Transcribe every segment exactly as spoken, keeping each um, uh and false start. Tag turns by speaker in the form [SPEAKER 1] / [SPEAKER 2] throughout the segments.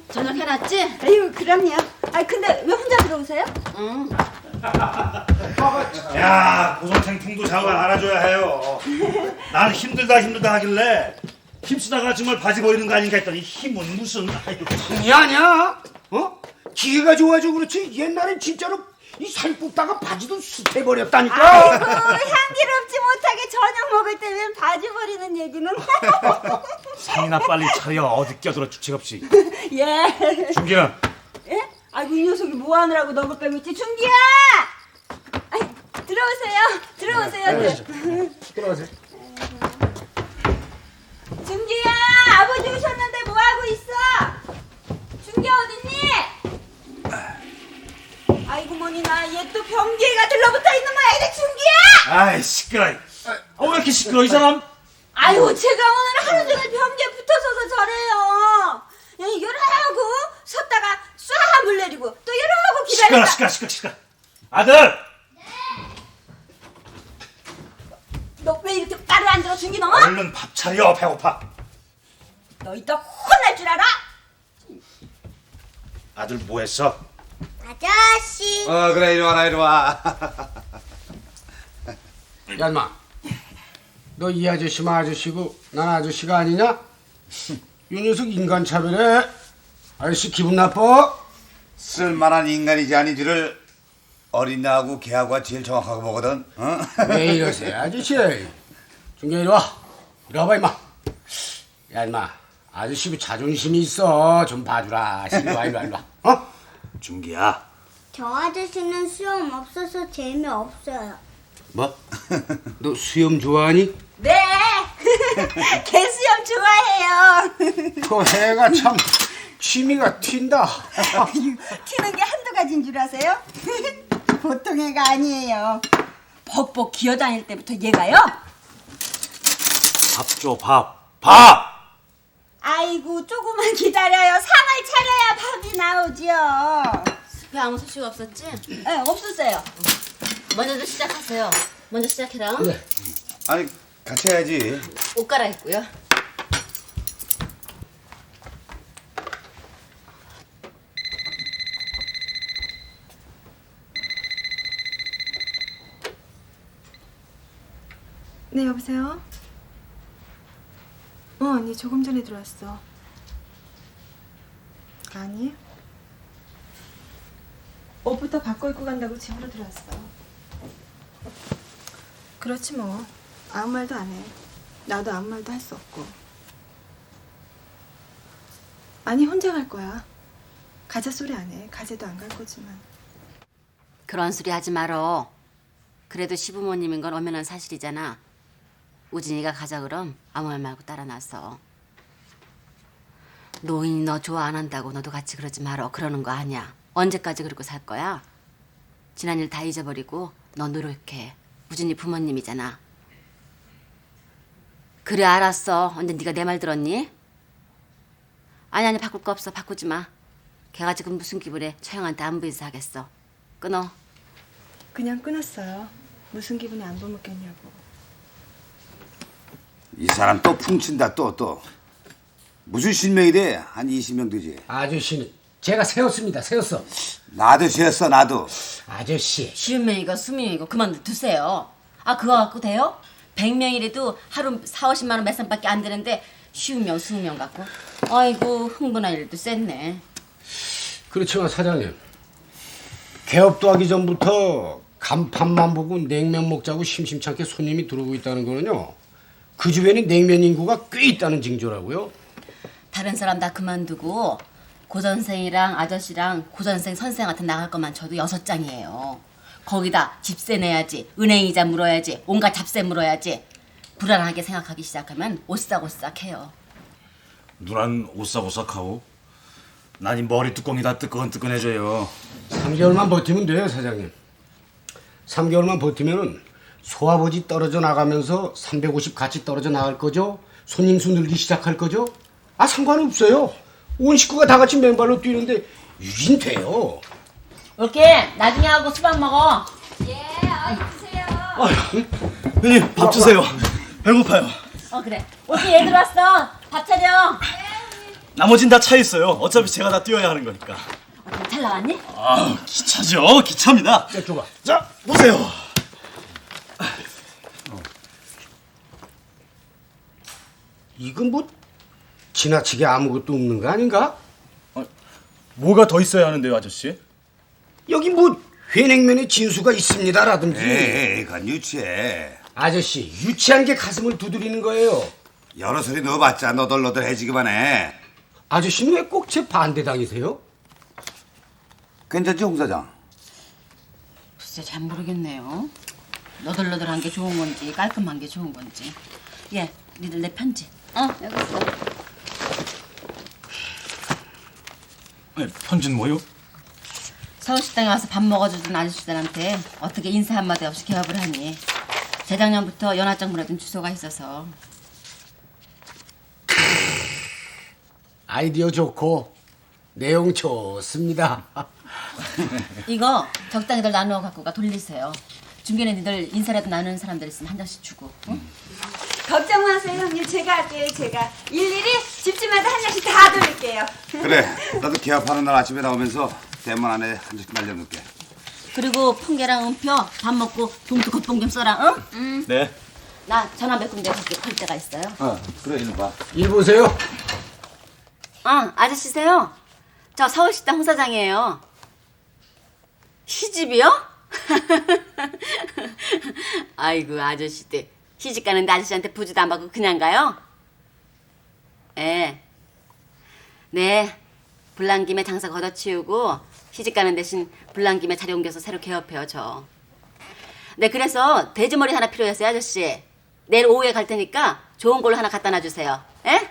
[SPEAKER 1] 저녁 해놨지?
[SPEAKER 2] 아유, 그럼요. 아, 근데 왜 혼자 들어오세요?
[SPEAKER 1] 응.
[SPEAKER 3] 야, 고선생풍도 잘 알아줘야 해요. 난 힘들다 힘들다 하길래 힘쓰다가 정말 바지 버리는 거 아닌가 했더니 힘은 무슨. 아이고.
[SPEAKER 4] 아니 아니야. 어? 기계가 좋아져 그렇지. 옛날엔 진짜로 이 살 뽑다가 바지도 숱해 버렸다니까.
[SPEAKER 2] 아이고, 향기롭지 못하게 저녁 먹을 때 왜 바지 버리는 얘기는?
[SPEAKER 3] 상이나 빨리 차려. 어디 껴들어 주책 없이.
[SPEAKER 2] 예.
[SPEAKER 3] 준기는
[SPEAKER 2] 예? 아이고, 이 녀석이 뭐 하느라고 너무 빼고 있지? 준기야! 아이, 들어오세요. 들어오세요.
[SPEAKER 4] 들어가세요.
[SPEAKER 2] 준기야! 아버지 오셨는데 뭐 하고 있어? 준기 어딨니? 아이고, 뭐니나 얘 또 변기가 들러붙어 있는 모양이네, 준기야!
[SPEAKER 3] 아이 시끄러. 아, 왜 이렇게 시끄러 이 사람?
[SPEAKER 2] 아이고, 제가 오늘 하루 종일 변기에 붙어서서 저래요. 예, 이러고 섰다가 쏴 물 내리고 또 이러고
[SPEAKER 3] 시끄러
[SPEAKER 2] 기다렸다.
[SPEAKER 3] 시끄러 시끄러 시끄러. 아들.
[SPEAKER 2] 너 왜 이렇게 말을 안 들어, 준기 너?
[SPEAKER 3] 얼른 밥 차려. 배고파.
[SPEAKER 2] 너 이따 혼날 줄 알아?
[SPEAKER 3] 아들 뭐 했어?
[SPEAKER 2] 아저씨.
[SPEAKER 5] 어 그래 이리 와라 이리 와.
[SPEAKER 4] 야 인마, 너 이 아저씨만 아저씨고 난 아저씨가 아니냐? 이 녀석 인간 차별해. 아저씨 기분 나빠?
[SPEAKER 5] 쓸만한 인간이지 아닌지를 어린애하고 개하고가 제일 정확하게 보거든. 어?
[SPEAKER 4] 왜 이러세요 아저씨? 준경 이리 와. 이리 와봐 임마. 야 임마, 아저씨 자존심이 있어. 좀 봐주라. 이리 와 이리 와 이리 와. 어?
[SPEAKER 3] 준기야.
[SPEAKER 6] 저 아저씨는 수염 없어서 재미없어요.
[SPEAKER 4] 뭐? 너 수염 좋아하니?
[SPEAKER 2] 네. 개수염 좋아해요.
[SPEAKER 4] 그 애가 참 취미가 튄다.
[SPEAKER 2] 튀는 게 한두 가지인 줄 아세요? 보통 애가 아니에요. 벅벅 기어다닐 때부터 얘가요.
[SPEAKER 3] 밥 줘 밥. 밥.
[SPEAKER 2] 아이고, 조금만 기다려요. 상을 차려야 밥이 나오죠.
[SPEAKER 1] 숲에 아무 소식 없었지?
[SPEAKER 2] 네, 없었어요.
[SPEAKER 1] 먼저도 시작하세요. 먼저 시작해라.
[SPEAKER 4] 네.
[SPEAKER 5] 아니 같이 해야지.
[SPEAKER 1] 옷 갈아입고요.
[SPEAKER 7] 네, 여보세요? 어, 언니 조금 전에 들어왔어. 아니? 옷부터 바꿔 입고 간다고 집으로 들어왔어. 그렇지 뭐. 아무 말도 안 해. 나도 아무 말도 할 수 없고. 아니, 혼자 갈 거야. 가자 소리 안 해. 가재도 안 갈 거지만.
[SPEAKER 1] 그런 소리 하지 말어. 그래도 시부모님인 건 엄연한 사실이잖아. 우진이가 가자 그럼 아무 말 말고 따라 나서. 노인이 너 좋아 안 한다고 너도 같이 그러지 말어. 그러는 거 아니야. 언제까지 그러고 살 거야? 지난 일 다 잊어버리고 너 노력해. 우진이 부모님이잖아. 그래 알았어. 언제 네가 내 말 들었니? 아니 아니 바꿀 거 없어. 바꾸지 마. 걔가 지금 무슨 기분에 처형한테 안부 인사하겠어. 끊어.
[SPEAKER 7] 그냥 끊었어요. 무슨 기분이 안부 묻겠냐고.
[SPEAKER 5] 이 사람 또 풍친다 또 또. 무슨 신명이래? 한 이십 명 되지.
[SPEAKER 4] 아저씨는 제가 세웠습니다. 세웠어.
[SPEAKER 5] 나도 지었어 나도.
[SPEAKER 4] 아저씨.
[SPEAKER 1] 쉬운 명이고 수명이고 그만 두세요. 아 그거 갖고 돼요? 백 명이라도 하루 사오십만 원 매상밖에 안 되는데 쉬운 명, 스무 명 갖고. 아이고 흥분할 일도 셌네.
[SPEAKER 4] 그렇지만 사장님, 개업도 하기 전부터 간판만 보고 냉면 먹자고 심심찮게 손님이 들어오고 있다는 거는요, 그 주변에 냉면 인구가 꽤 있다는 징조라고요.
[SPEAKER 1] 다른 사람 다 그만두고 고선생이랑 아저씨랑 고선생 선생한테 나갈 것만 쳐도 여섯 장이에요. 거기다 집세 내야지, 은행이자 물어야지, 온갖 잡세 물어야지. 불안하게 생각하기 시작하면 오싹오싹해요.
[SPEAKER 3] 누난 오싹오싹하고 난 이 머리 뚜껑이 다 뜨끈뜨끈해져요.
[SPEAKER 4] 삼 개월만 버티면 돼요, 사장님. 삼 개월만 버티면은 소아버지 떨어져 나가면서 삼백오십 같이 떨어져 나갈 거죠? 손님 수 늘기 시작할 거죠? 아, 상관없어요. 온 식구가 다 같이 맨발로 뛰는데 유진돼요.
[SPEAKER 1] 올게. 나중에 하고 수박 먹어.
[SPEAKER 2] 예, 어이 드세요.
[SPEAKER 3] 형님 밥 주세요. 배고파요.
[SPEAKER 1] 어 그래. 올게 얘 들어왔어. 밥 차려.
[SPEAKER 8] 나머진 다 차 있어요. 어차피 제가 다 뛰어야 하는 거니까.
[SPEAKER 1] 어떻게 잘 나왔니?
[SPEAKER 8] 아, 기차죠. 기차입니다.
[SPEAKER 4] 자, 줘봐.
[SPEAKER 8] 자, 보세요.
[SPEAKER 4] 이건 뭐 지나치게 아무것도 없는 거 아닌가?
[SPEAKER 8] 뭐가 더 있어야 하는데요, 아저씨?
[SPEAKER 4] 여기 뭐 회냉면에 진수가 있습니다라든지.
[SPEAKER 5] 에이, 그건 유치해.
[SPEAKER 4] 아저씨 유치한 게 가슴을 두드리는 거예요.
[SPEAKER 5] 여러 소리 넣어봤자 너덜너덜해지기만 해.
[SPEAKER 4] 아저씨는 왜 꼭 제 반대당이세요?
[SPEAKER 5] 괜찮지, 홍 사장?
[SPEAKER 1] 글쎄 잘 모르겠네요. 너덜너덜한 게 좋은 건지 깔끔한 게 좋은 건지. 예, 니들 내 편지. 어, 여기 있어.
[SPEAKER 8] 네, 편지는 뭐요?
[SPEAKER 1] 서울식당에 와서 밥 먹어주던 아저씨들한테 어떻게 인사 한마디 없이 개업을 하니. 재작년부터 연하장 보내준 주소가 있어서.
[SPEAKER 4] 아이디어 좋고 내용 좋습니다.
[SPEAKER 1] 이거 적당히들 나누어 갖고 가 돌리세요. 중간에 니들 인사라도 나누는 사람들 있으면 한 장씩 주고. 응?
[SPEAKER 2] 걱정 마세요, 형님. 제가 할게요, 제가. 일일이 집집마다 한 장씩 다 돌릴게요.
[SPEAKER 5] 그래, 나도 개업하는 날 아침에 나오면서 대문 안에 한 장씩 날려놓을게.
[SPEAKER 1] 그리고 펑계랑 은표 밥 먹고 봉투 겉봉 좀 써라. 응? 응.
[SPEAKER 8] 네.
[SPEAKER 1] 나 전화 몇 군데 그렇게 걸 때가 있어요.
[SPEAKER 5] 어, 그래, 이리 봐.
[SPEAKER 4] 일 보세요.
[SPEAKER 1] 아, 아저씨세요? 저 서울식당 홍 사장이에요. 시집이요? 아이고 아저씨들 시집 가는데 아저씨한테 부주도 안 받고 그냥 가요? 예. 네. 불난 김에 장사 걷어치우고 시집 가는 대신 불난 김에 자리 옮겨서 새로 개업해요 저. 네, 그래서 돼지머리 하나 필요했어요 아저씨. 내일 오후에 갈 테니까 좋은 걸로 하나 갖다 놔주세요. 예?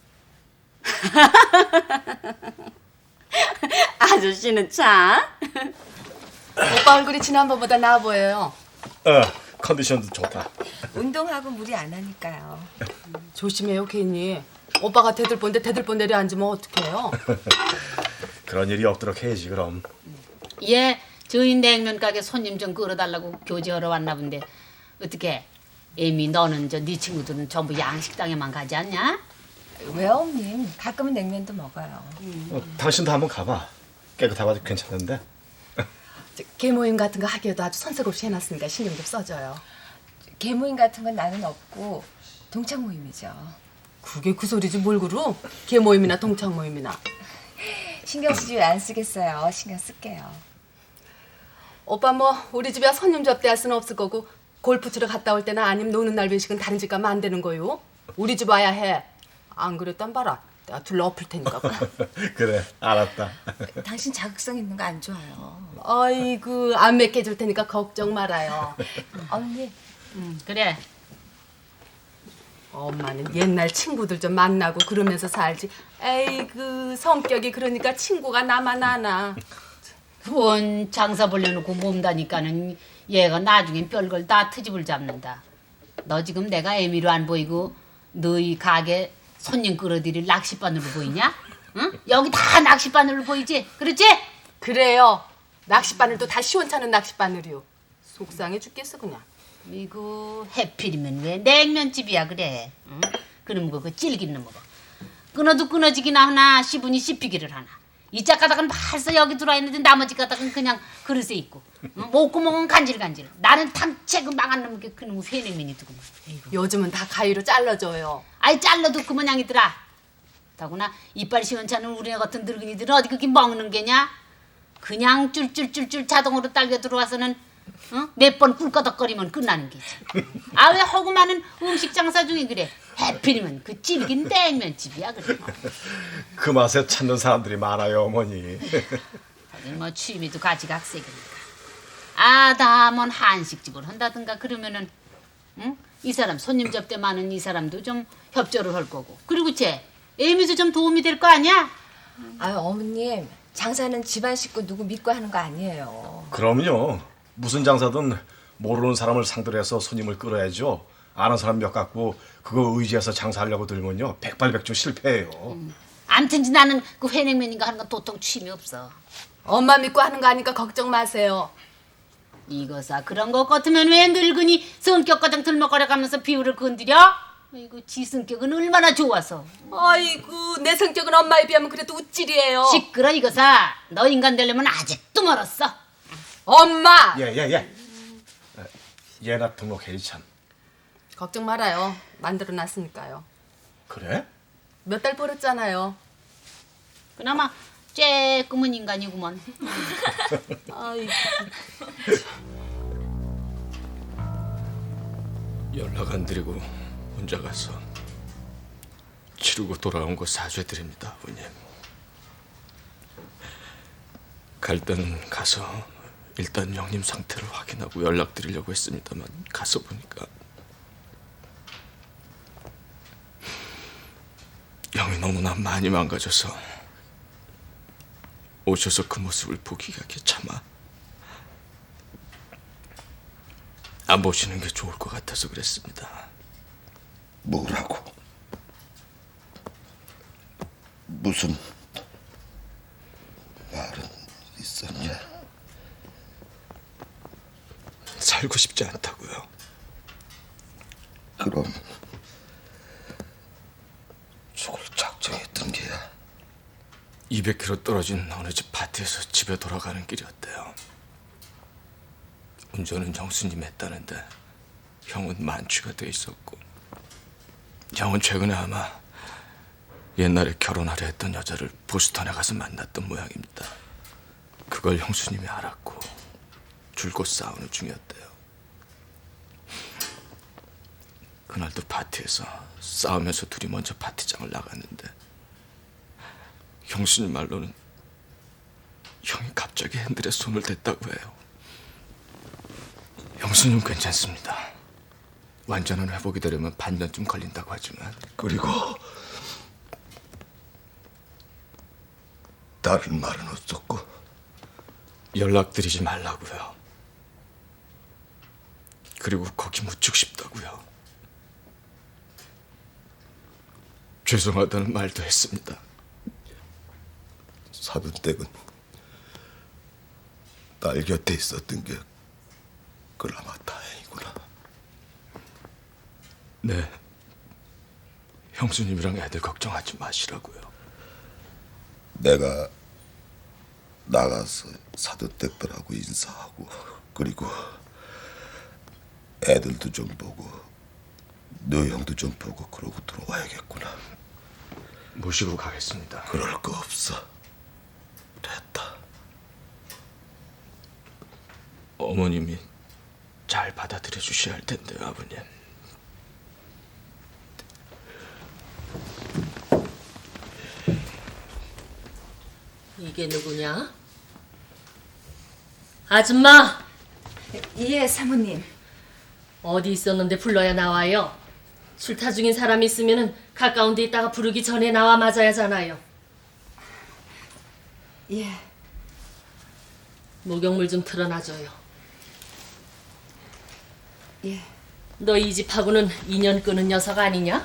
[SPEAKER 1] 아저씨는 참.
[SPEAKER 9] 오빠 얼굴이 지난번보다 나아 보여요.
[SPEAKER 8] 어, 컨디션도 좋다.
[SPEAKER 9] 운동하고 무리 안 하니까요. 조심해요, 괜히. 오빠가 대들본데 대들본 내려앉으면 어떡해요?
[SPEAKER 8] 그런 일이 없도록 해야지 그럼.
[SPEAKER 10] 예, 저희 냉면 가게 손님 좀 끌어달라고 교제하러 왔나 본데 어떻게? 에미 너는 저 네 친구들은 전부 양식당에만 가지 않냐?
[SPEAKER 9] 왜요, 언님? 가끔은 냉면도 먹어요.
[SPEAKER 8] 어, 당신도 한번 가봐. 깨끗하고 괜찮은데.
[SPEAKER 9] 개모임 같은 거 하기에도 아주 손색 없이 해놨으니까 신경 좀 써줘요. 개모임 같은 건 나는 없고 동창 모임이죠. 그게 그 소리지 뭘 그러? 개모임이나 동창 모임이나. 신경 쓰지 왜 안 쓰겠어요. 신경 쓸게요. 오빠 뭐 우리 집에 손님 접대할 수는 없을 거고 골프 치러 갔다 올 때나 아니면 노는 날 외식은 다른 집 가면 안 되는 거요. 우리 집 와야 해. 안 그랬단 봐라. 내가 둘러 엎을 테니까.
[SPEAKER 8] 그래, 알았다.
[SPEAKER 9] 당신 자극성 있는 거 안 좋아요. 아이고 안 맺게 줄 테니까 걱정 말아요. 언니.
[SPEAKER 10] 응, 그래.
[SPEAKER 9] 엄마는 옛날 친구들 좀 만나고 그러면서 살지. 에이그 성격이 그러니까 친구가 나만 아나.
[SPEAKER 10] 원 장사 벌려놓고 몸다니까는 얘가 나중엔 별걸 다 트집을 잡는다. 너 지금 내가 애미로 안 보이고 너희 가게 손님 끌어들일 낚싯바늘로 보이냐? 응? 여기 다 낚싯바늘로 보이지? 그렇지?
[SPEAKER 9] 그래요. 낚싯바늘도 다 시원찮은 낚싯바늘이요. 속상해 죽겠어 그냥.
[SPEAKER 10] 이거 해필이면 왜 냉면집이야 그래? 응? 그럼 그거 질기는 먹어. 끊어도 끊어지기나 하나 씹으니 씹히기를 하나. 이 짝가닥은 벌써 여기 들어와 있는데 나머지 가닥은 그냥 그릇에 있고. 응? 목구멍은 간질간질. 나는 탐채 그 망한 놈게 그놈 회냉면이 두고.
[SPEAKER 9] 요즘은 다 가위로 잘라줘요.
[SPEAKER 10] 아이 잘라도 그 모양이더라. 더구나 이빨 시원찮은 우리네 같은 늙은이들은 어디 그렇게 먹는 게냐? 그냥 쫄쫄쫄쫄 자동으로 딸려 들어와서는 어? 몇 번 꿀꺼덕거리면 끝나는 게지. 아 왜 허구 많은 음식 장사 중에 그래. 해필이면 그 질긴 냉면집이야 그래.
[SPEAKER 8] 그 맛에 찾는 사람들이 많아요, 어머니.
[SPEAKER 10] 하긴 뭐 취미도 가지각색이니까. 아다먼 한식집을 한다든가 그러면은 응? 이 사람 손님 접대 많은 이 사람도 좀 협조를 할 거고. 그리고 쟤 애미도 좀 도움이 될 거 아니야?
[SPEAKER 9] 아유 어머님 장사는 집안 식구 누구 믿고 하는 거 아니에요.
[SPEAKER 8] 그럼요. 무슨 장사든 모르는 사람을 상대로 해서 손님을 끌어야죠. 아는 사람 몇 갖고 그거 의지해서 장사하려고 들면요 백발백중 실패해요.
[SPEAKER 10] 음. 암튼지 나는 그 회냉면인가 하는 건 도통 취미 없어.
[SPEAKER 9] 엄마 믿고 하는 거 아니까 걱정 마세요.
[SPEAKER 10] 이거사 그런 것 같으면 왜 늙은이 성격 가장 들먹거려가면서 비율을 건드려? 이거 지 성격은 얼마나 좋아서.
[SPEAKER 9] 아이고 내 성격은 엄마에 비하면 그래도 우쭐이에요.
[SPEAKER 10] 시끄러 이거사. 너 인간 되려면 아직도 멀었어.
[SPEAKER 9] 엄마!
[SPEAKER 8] 예, 예, 예. 예나 등록해야지 참.
[SPEAKER 9] 걱정 말아요. 만들어놨으니까요.
[SPEAKER 8] 그래?
[SPEAKER 9] 몇 달 벌었잖아요.
[SPEAKER 10] 그나마 쬐끔은 인간이구먼.
[SPEAKER 9] 아이고.
[SPEAKER 11] 연락 안 드리고 혼자 가서 치르고 돌아온 거 사죄드립니다, 아버님. 갈 때는 가서 일단 형님 상태를 확인하고 연락드리려고 했습니다만 가서 보니까 형이 너무나 많이 망가져서 오셔서 그 모습을 보기가 귀찮아 안 보시는 게 좋을 것 같아서 그랬습니다.
[SPEAKER 5] 뭐라고? 무슨 말은 있었냐?
[SPEAKER 11] 살고 싶지 않다고요.
[SPEAKER 5] 그럼 죽을 작정했던 게야.
[SPEAKER 11] 이백 킬로미터 떨어진 어느 집 파티에서 집에 돌아가는 길이었대요. 운전은 형수님이 했다는데 형은 만취가 돼 있었고 형은 최근에 아마 옛날에 결혼하려 했던 여자를 보스턴에 가서 만났던 모양입니다. 그걸 형수님이 알았고 줄곧 싸우는 중이었대요. 그날도 파티에서 싸우면서 둘이 먼저 파티장을 나갔는데 형수님 말로는 형이 갑자기 핸들에 손을 댔다고 해요. 형수님 괜찮습니다. 완전한 회복이 되려면 반년쯤 걸린다고 하지만
[SPEAKER 5] 그리고 다른 말은 없었고
[SPEAKER 11] 연락드리지 말라고요. 그리고 거기 묻히고 싶다고요. 죄송하다는 말도 했습니다.
[SPEAKER 5] 사돈댁은 딸 곁에 있었던 게 그나마 다행이구나.
[SPEAKER 11] 네. 형수님이랑 애들 걱정하지 마시라고요.
[SPEAKER 5] 내가 나가서 사돈댁들하고 인사하고 그리고 애들도 좀 보고 너 형도 좀 보고 그러고 들어와야겠구나.
[SPEAKER 11] 모시고 가겠습니다.
[SPEAKER 5] 그럴 거 없어. 됐다.
[SPEAKER 11] 어머님이 잘 받아들여 주셔야 할 텐데요, 아버님.
[SPEAKER 12] 이게 누구냐? 아줌마!
[SPEAKER 7] 예, 사모님.
[SPEAKER 12] 어디 있었는데 불러야 나와요? 출타 중인 사람이 있으면 가까운 데 있다가 부르기 전에 나와 맞아야 하잖아요.
[SPEAKER 7] 예.
[SPEAKER 12] 목욕물 좀 틀어놔줘요.
[SPEAKER 7] 예.
[SPEAKER 12] 너 이 집하고는 인연 끄는 녀석 아니냐?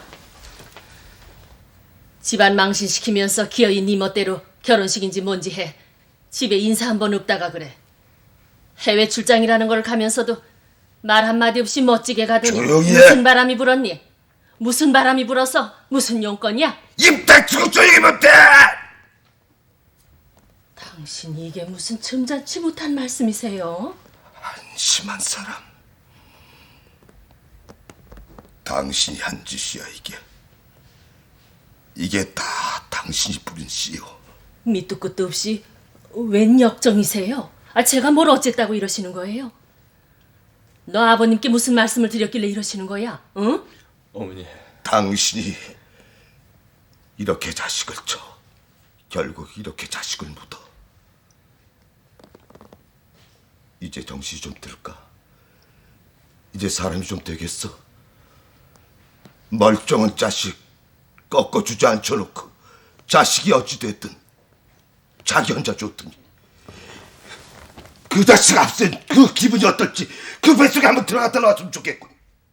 [SPEAKER 12] 집안 망신시키면서 기어이 네 멋대로 결혼식인지 뭔지 해. 집에 인사 한 번 없다가 그래. 해외 출장이라는 걸 가면서도 말 한마디 없이 멋지게 가더니
[SPEAKER 5] 조용히 해.
[SPEAKER 12] 무슨 바람이 불었니? 무슨 바람이 불어서 무슨 용건이야?
[SPEAKER 5] 입 닥치고 조용히 못해!
[SPEAKER 12] 당신 이게 무슨 점잖지 못한 말씀이세요?
[SPEAKER 5] 한심한 사람. 당신이 한 짓이야 이게. 이게 다 당신이 부린 씨요.
[SPEAKER 12] 밑도 끝도 없이 웬 역정이세요? 아, 제가 뭘 어쨌다고 이러시는 거예요? 너 아버님께 무슨 말씀을 드렸길래 이러시는 거야? 응?
[SPEAKER 11] 어머니.
[SPEAKER 5] 당신이 이렇게 자식을 쳐. 결국 이렇게 자식을 묻어. 이제 정신이 좀 들까? 이제 사람이 좀 되겠어? 멀쩡한 자식 꺾어주지 않쳐놓고 자식이 어찌됐든 자기 혼자 줬더니 그 자식 앞선 그 기분이 어떨지 그 뱃속에 한번 들어갔다 나왔으면 좋겠군.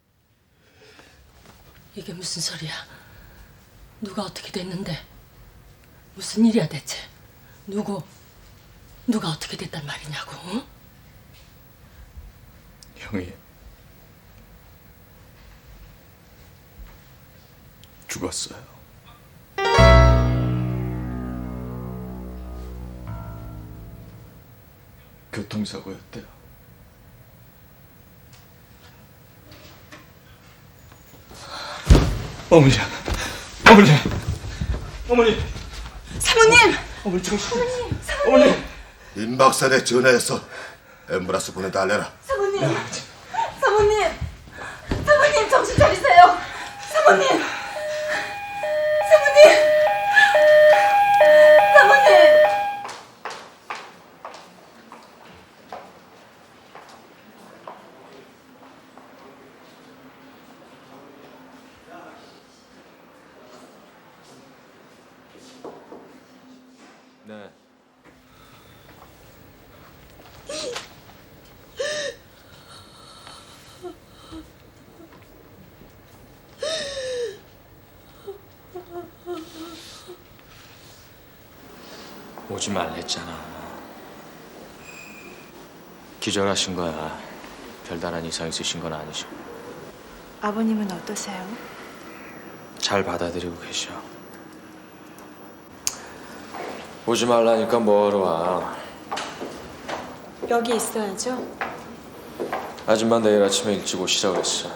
[SPEAKER 12] 이게 무슨 소리야? 누가 어떻게 됐는데? 무슨 일이야 대체? 누구? 누가 어떻게 됐단 말이냐고? 응?
[SPEAKER 11] 형이 죽었어요. 교통사고였대요. 어머니, 어머니, 어머니,
[SPEAKER 2] 사모님!
[SPEAKER 11] 어머니 정신, 어머니.
[SPEAKER 5] 임 박사에 전화해서 앰뷸런스 보내달래라.
[SPEAKER 2] 사모님! 사모님! 사모님 정신 차리세요! 사모님! 사모님! 사모님!
[SPEAKER 11] 네. 오지 말랬잖아. 기절하신 거야. 별다른 이상 있으신 건 아니시고.
[SPEAKER 7] 아버님은 어떠세요?
[SPEAKER 11] 잘 받아들이고 계셔. 오지 말라니까 뭐하러 와.
[SPEAKER 7] 여기 있어야죠.
[SPEAKER 11] 아줌마 내일 아침에 일찍 오시라고 했어.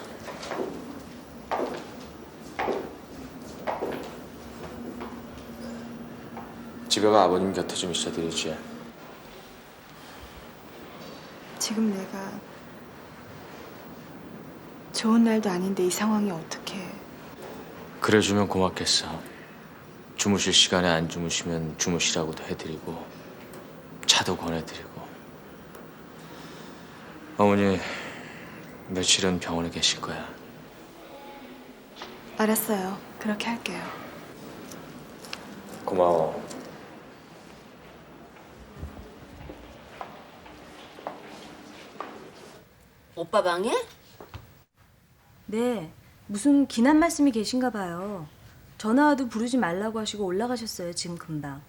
[SPEAKER 11] 집에 가 아버님 곁에 좀 있어드리지.
[SPEAKER 7] 지금 내가 좋은 날도 아닌데 이 상황이 어떻게?
[SPEAKER 11] 그래주면 고맙겠어. 주무실 시간에 안 주무시면 주무시라고도 해드리고 차도 권해드리고. 어머니 며칠은 병원에 계실 거야.
[SPEAKER 7] 알았어요. 그렇게 할게요.
[SPEAKER 11] 고마워.
[SPEAKER 1] 오빠 방에?
[SPEAKER 2] 네, 무슨 기난 말씀이 계신가 봐요. 전화 와도 부르지 말라고 하시고 올라가셨어요, 지금 금방.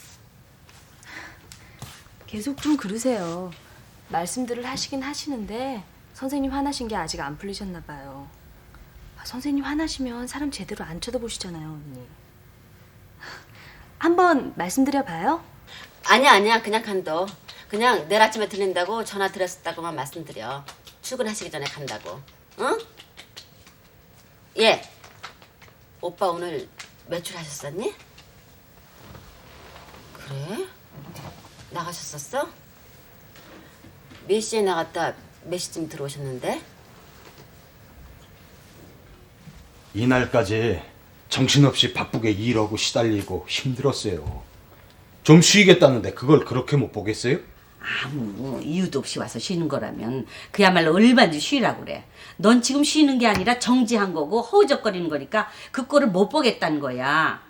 [SPEAKER 2] 계속 좀 그러세요. 말씀들을 하시긴 하시는데 선생님 화나신 게 아직 안 풀리셨나 봐요. 아, 선생님 화나시면 사람 제대로 안 쳐다보시잖아요, 언니. 한번 말씀드려봐요?
[SPEAKER 1] 아니야 아니야 그냥 간다. 그냥 내일 아침에 들린다고 전화 드렸었다고만 말씀드려. 출근하시기 전에 간다고. 응? 예. 오빠 오늘 외출하셨었니? 그래? 나가셨었어? 몇 시에 나갔다 몇 시쯤 들어오셨는데?
[SPEAKER 13] 이날까지 정신없이 바쁘게 일하고 시달리고 힘들었어요. 좀 쉬겠다는데 그걸 그렇게 못 보겠어요?
[SPEAKER 1] 아무 이유도 없이 와서 쉬는 거라면 그야말로 얼마든지 쉬라고 그래. 넌 지금 쉬는 게 아니라 정지한 거고 허우적거리는 거니까 그 꼴을 못 보겠다는 거야.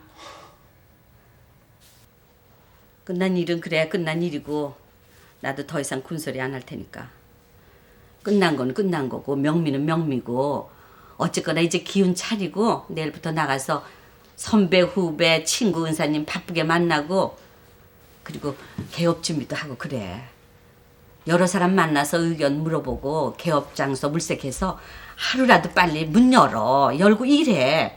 [SPEAKER 1] 끝난 일은 그래 끝난 일이고 나도 더 이상 군소리 안 할 테니까. 끝난 건 끝난 거고 명미는 명미고 어쨌거나 이제 기운 차리고 내일부터 나가서 선배 후배 친구 은사님 바쁘게 만나고 그리고 개업 준비도 하고 그래. 여러 사람 만나서 의견 물어보고 개업 장소 물색해서 하루라도 빨리 문 열어. 열고 일해.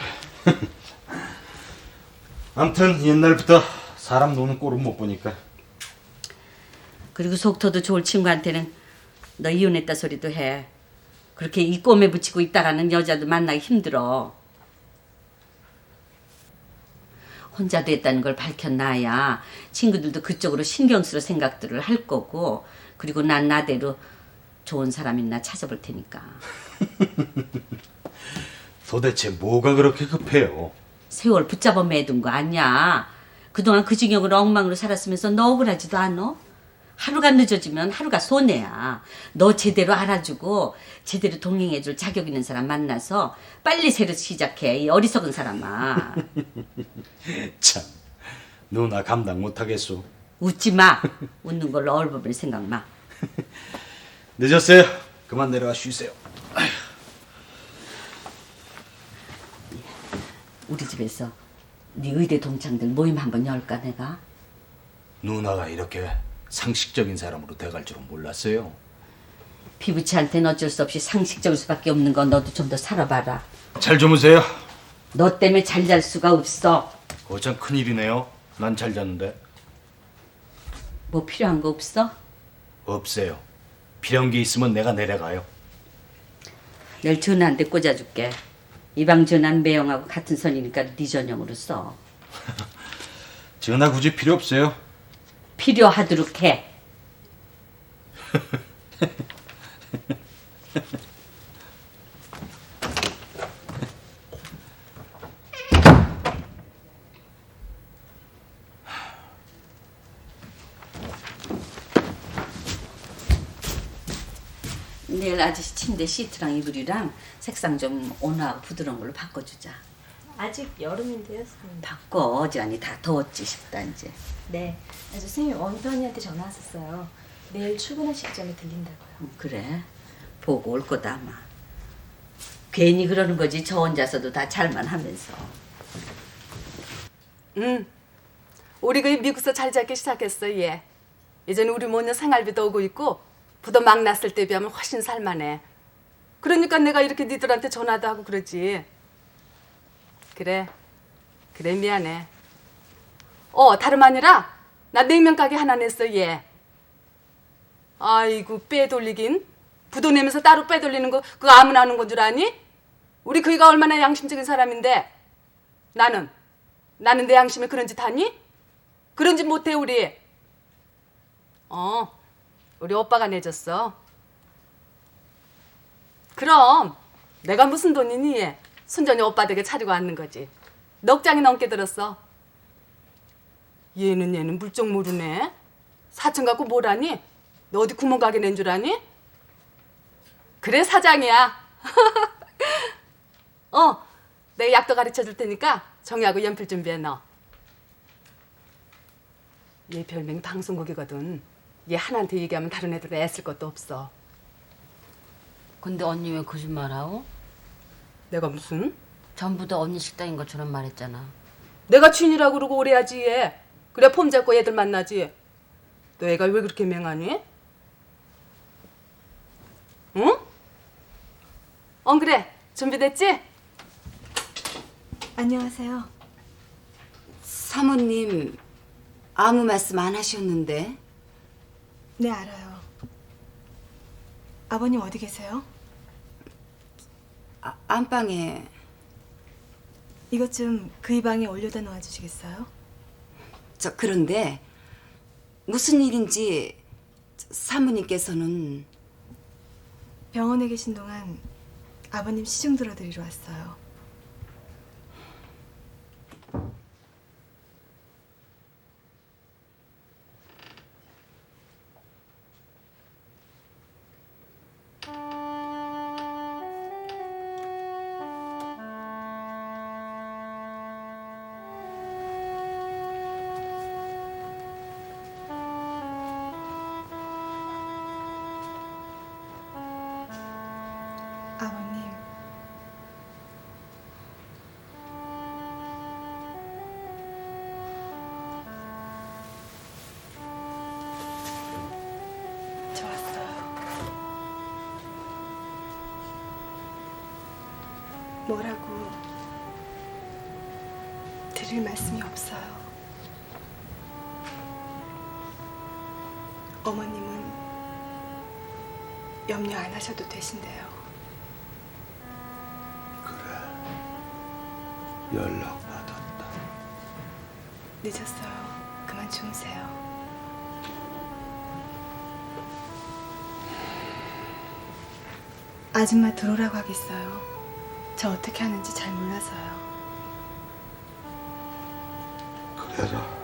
[SPEAKER 13] 아무튼 옛날부터 사람 노는 꼴은 못 보니까.
[SPEAKER 1] 그리고 속터도 좋을 친구한테는 너 이혼했다 소리도 해. 그렇게 이 꼼에 붙이고 있다가는 여자도 만나기 힘들어. 혼자 됐다는 걸 밝혀놔야 친구들도 그쪽으로 신경 쓸 생각들을 할 거고 그리고 난 나대로 좋은 사람 있나 찾아볼 테니까.
[SPEAKER 13] 도대체 뭐가 그렇게 급해요?
[SPEAKER 1] 세월 붙잡아 매둔 거 아니야. 그동안 그 징역으로 엉망으로 살았으면서 너 억울하지도 않아? 하루가 늦어지면 하루가 손해야. 너 제대로 알아주고 제대로 동행해줄 자격 있는 사람 만나서 빨리 새로 시작해. 이 어리석은 사람아.
[SPEAKER 13] 참, 누나 감당 못하겠소.
[SPEAKER 1] 웃지 마. 웃는 걸로 얼버무릴 생각 마.
[SPEAKER 13] 늦었어요. 그만 내려가 쉬세요. 아휴.
[SPEAKER 1] 우리 집에서 네 의대 동창들 모임 한번 열까 내가?
[SPEAKER 13] 누나가 이렇게 상식적인 사람으로 돼갈 줄은 몰랐어요.
[SPEAKER 1] 피부치한테는 어쩔 수 없이 상식적일 수밖에 없는 건 너도 좀 더 살아봐라.
[SPEAKER 13] 잘 주무세요.
[SPEAKER 1] 너 때문에 잘 잘 수가 없어.
[SPEAKER 13] 그거 참 큰일이네요. 난 잘 잤는데.
[SPEAKER 1] 뭐 필요한 거 없어?
[SPEAKER 13] 없어요. 필요한 게 있으면 내가 내려가요.
[SPEAKER 1] 내일 전화한테 꽂아줄게. 이 방 전화는 매형하고 같은 선이니까 네 전용으로 써.
[SPEAKER 13] 전화 굳이 필요 없어요.
[SPEAKER 1] 필요하도록 해. 내일 아저씨 침대 시트랑 이불이랑 색상 좀 온화하고 부드러운 걸로 바꿔주자.
[SPEAKER 2] 아직 여름인데요, 선생님.
[SPEAKER 1] 바꿔. 어지간히 다 더웠지 싶다 이제.
[SPEAKER 2] 네. 아저 선생님 원도 언니한테 전화 왔었어요. 내일 출근하시기 전에 들린다고요.
[SPEAKER 1] 음, 그래. 보고 올 거다 아마. 괜히 그러는 거지. 저 혼자서도 다 잘만 하면서.
[SPEAKER 14] 응. 우리 그 미국서 잘 잡기 시작했어 얘. 이제는 우리 모녀 생활비도 오고 있고 부도 막 났을 때 비하면 훨씬 살만해. 그러니까 내가 이렇게 니들한테 전화도 하고 그러지. 그래. 그래 미안해. 어 다름 아니라 나 냉면 가게 하나 냈어 얘. 아이고 빼돌리긴. 부도 내면서 따로 빼돌리는 거 그거 아무나 하는 건 줄 아니? 우리 그이가 얼마나 양심적인 사람인데. 나는 나는 내 양심에 그런 짓 하니? 그런 짓 못해 우리. 어 우리 오빠가 내줬어. 그럼 내가 무슨 돈이니 얘. 순전히 오빠 댁에 차리고 앉는 거지. 넉 장이 넘게 들었어. 얘는 얘는 물정 모르네. 사천 갖고 뭘 하니? 너 어디 구멍 가게 낸 줄 아니? 그래 사장이야. 어 내가 약도 가르쳐 줄 테니까 정리하고 연필 준비해 너. 얘 별명 방송국이거든. 얘 하나한테 얘기하면 다른 애들은 애쓸 것도 없어.
[SPEAKER 1] 근데 언니 왜 거짓말하오?
[SPEAKER 14] 내가 무슨?
[SPEAKER 1] 전부 다 언니 식당인 것처럼 말했잖아.
[SPEAKER 14] 내가 주인이라고 그러고 오래 하지 얘. 그래 폼 잡고 애들 만나지. 너 애가 왜 그렇게 맹하니? 응? 어 그래 준비됐지?
[SPEAKER 7] 안녕하세요.
[SPEAKER 15] 사모님 아무 말씀 안 하셨는데.
[SPEAKER 7] 네, 알아요. 아버님 어디 계세요?
[SPEAKER 15] 아, 안방에.
[SPEAKER 7] 이것 좀 그 이 방에 올려다 놓아주시겠어요?
[SPEAKER 15] 저 그런데 무슨 일인지 사모님께서는.
[SPEAKER 7] 병원에 계신 동안 아버님 시중 들어드리러 왔어요. 아버님, 저 왔어요. 뭐라고 드릴 말씀이 없어요. 어머님은 염려 안 하셔도 되신대요.
[SPEAKER 5] 연락 받았다.
[SPEAKER 7] 늦었어요. 그만 주무세요. 아줌마 들어오라고 하겠어요. 저 어떻게 하는지 잘 몰라서요.
[SPEAKER 5] 그래라.